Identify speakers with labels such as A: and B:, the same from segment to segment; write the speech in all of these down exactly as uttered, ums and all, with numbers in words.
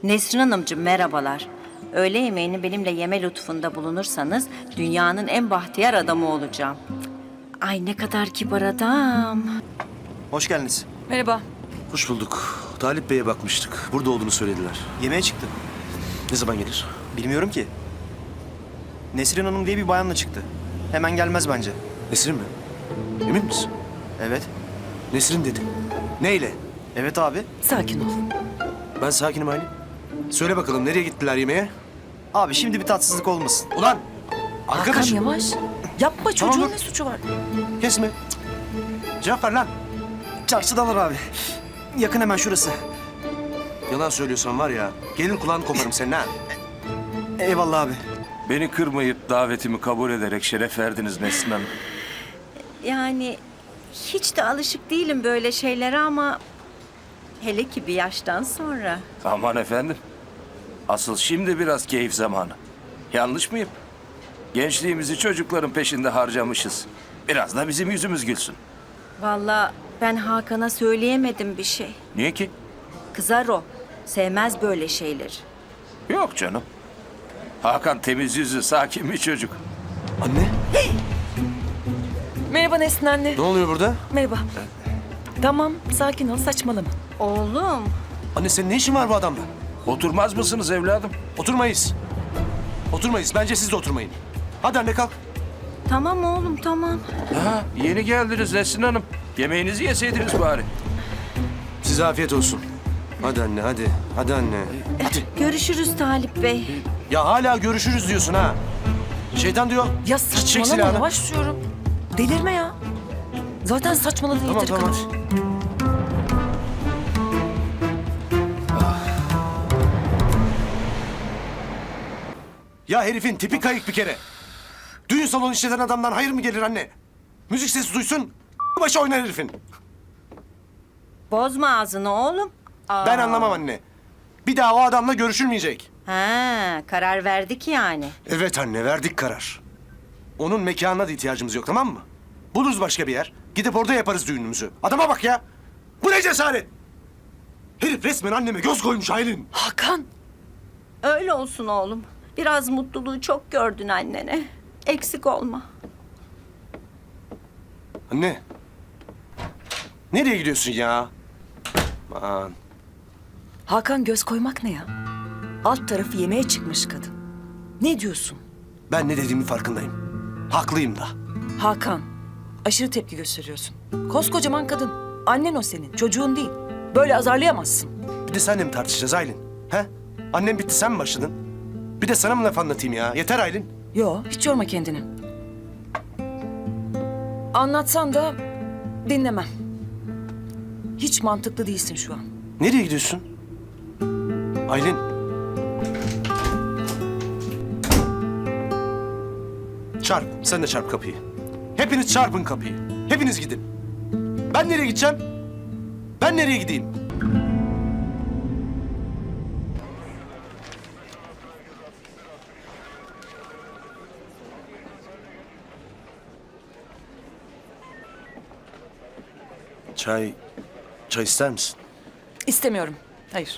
A: Nesrin Hanımcığım merhabalar. Öğle yemeğini benimle yeme lütfunda bulunursanız dünyanın en bahtiyar adamı olacağım. Ay ne kadar kibar adam.
B: Hoş geldiniz.
C: Merhaba.
D: Hoş bulduk. Talip Bey'e bakmıştık. Burada olduğunu söylediler.
B: Yemeğe çıktı.
D: Ne zaman gelir?
B: Bilmiyorum ki. Nesrin Hanım diye bir bayanla çıktı. Hemen gelmez bence.
D: Nesrin mi? Emin misin?
B: Evet.
D: Nesrin dedi. Neyle?
B: Evet abi.
C: Sakin ol.
D: Ben sakinim Aylin. Söyle bakalım nereye gittiler yemeğe?
B: Abi şimdi bir tatsızlık olmasın.
D: Ulan!
C: Hakan
D: Arkadaşım!
C: yavaş. Yapma, çocuğun
D: Tamam, dur.
C: ne suçu var?
D: Kesme. Cevap ver lan.
B: Çarşıdalar abi. Yakın hemen şurası.
D: Yalan söylüyorsan var ya, gelir kulağını koparım senin ha.
B: Eyvallah abi.
E: Beni kırmayıp davetimi kabul ederek şeref verdiniz Nesrin Hanım.
A: Yani hiç de alışık değilim böyle şeylere ama hele ki bir yaştan sonra.
E: Aman efendim. Asıl şimdi biraz keyif zamanı. Yanlış mıyım? Gençliğimizi çocukların peşinde harcamışız. Biraz da bizim yüzümüz gülsün.
A: Vallahi ben Hakan'a söyleyemedim bir şey.
E: Niye ki?
A: Kızar o. Sevmez böyle şeyleri.
E: Yok canım. Hakan temiz yüzlü, sakin bir çocuk.
D: Anne,
C: Merhaba Nesrin anne.
D: ne oluyor burada?
C: Merhaba. Tamam, sakin ol, saçmalama.
A: Oğlum.
D: Anne senin ne işin var bu adamla?
E: Oturmaz mısınız evladım?
D: Oturmayız. Oturmayız. Bence siz de oturmayın. Hadi anne kalk.
A: Tamam oğlum tamam.
E: Ha, yeni geldiniz Nesrin Hanım. Yemeğinizi yeseydiniz bari.
D: Size afiyet olsun. Hadi anne hadi. Hadi anne. Hadi.
A: Görüşürüz Talip Bey.
D: Ya hala görüşürüz diyorsun ha. Şeytan diyor.
C: Ya
D: Çek
C: saçmalama,
D: silahını.
C: yavaş diyorum. Delirme ya. Zaten saçmaladın
D: Tamam
C: yeteri
D: tamam.
C: kadar.
D: Ya herifin tipi kayık bir kere. Düğün salonu işleten adamdan hayır mı gelir anne? Müzik sesi duysun, başı oynar herifin.
A: Bozma ağzını oğlum. Aa.
D: Ben anlamam anne. Bir daha o adamla görüşülmeyecek.
A: Ha, karar verdik yani.
D: Evet anne, verdik karar. Onun mekanına da ihtiyacımız yok, tamam mı? Buluruz başka bir yer. Gidip orada yaparız düğünümüzü. Adama bak ya. Bu ne cesaret? Herif resmen anneme göz koymuş Aylin.
C: Hakan.
A: Öyle olsun oğlum. Biraz mutluluğu çok gördün annene. Eksik olma.
D: Anne. Nereye gidiyorsun ya? Aman.
C: Hakan göz koymak ne ya? Alt tarafı yemeğe çıkmış kadın. Ne diyorsun?
D: Ben ne dediğimi farkındayım. Haklıyım da.
C: Hakan, aşırı tepki gösteriyorsun. Koskocaman kadın. Annen o senin, çocuğun değil. Böyle azarlayamazsın.
D: Bir de senle mi tartışacağız Aylin? He? Annem bitti, sen mi başladın? Bir de sana mı laf anlatayım ya? Yeter Aylin.
C: Yo, hiç yorma kendini. Anlatsan da dinlemem. Hiç mantıklı değilsin şu an.
D: Nereye gidiyorsun? Aylin. Çarp, sen de çarp kapıyı. Hepiniz çarpın kapıyı. Hepiniz gidin. Ben nereye gideceğim? Ben nereye gideyim? Çay, çay ister misin?
C: İstemiyorum. Hayır.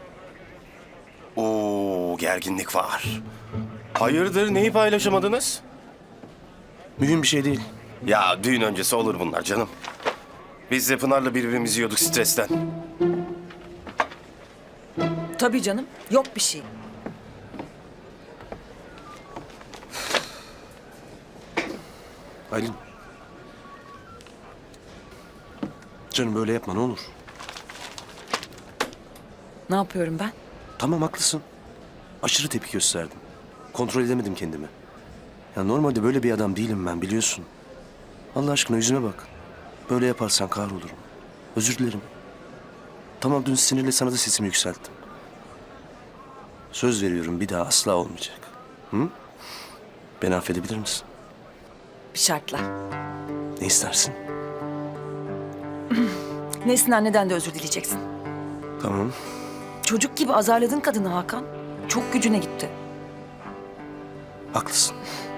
F: Oo, gerginlik var. Hayırdır, neyi paylaşamadınız?
D: Mühim bir şey değil.
F: Ya düğün öncesi olur bunlar canım. Biz de Pınar'la birbirimizi yiyorduk stresten.
C: Tabii canım. Yok bir şey.
D: Aylin. Canım böyle yapma ne olur.
C: Ne yapıyorum ben?
D: Tamam haklısın. Aşırı tepki gösterdim. Kontrol edemedim kendimi. Ya normalde böyle bir adam değilim ben biliyorsun. Allah aşkına yüzüme bak. Böyle yaparsan kahrolurum. Özür dilerim. Tamam dün sinirle sana da sesimi yükselttim. Söz veriyorum bir daha asla olmayacak. Hı? Beni affedebilir misin?
C: Bir şartla.
D: Ne istersin?
C: Nesrin anneden de özür dileyeceksin.
D: Tamam.
C: Çocuk gibi azarladın kadını Hakan. Çok gücüne gitti.
D: Haklısın.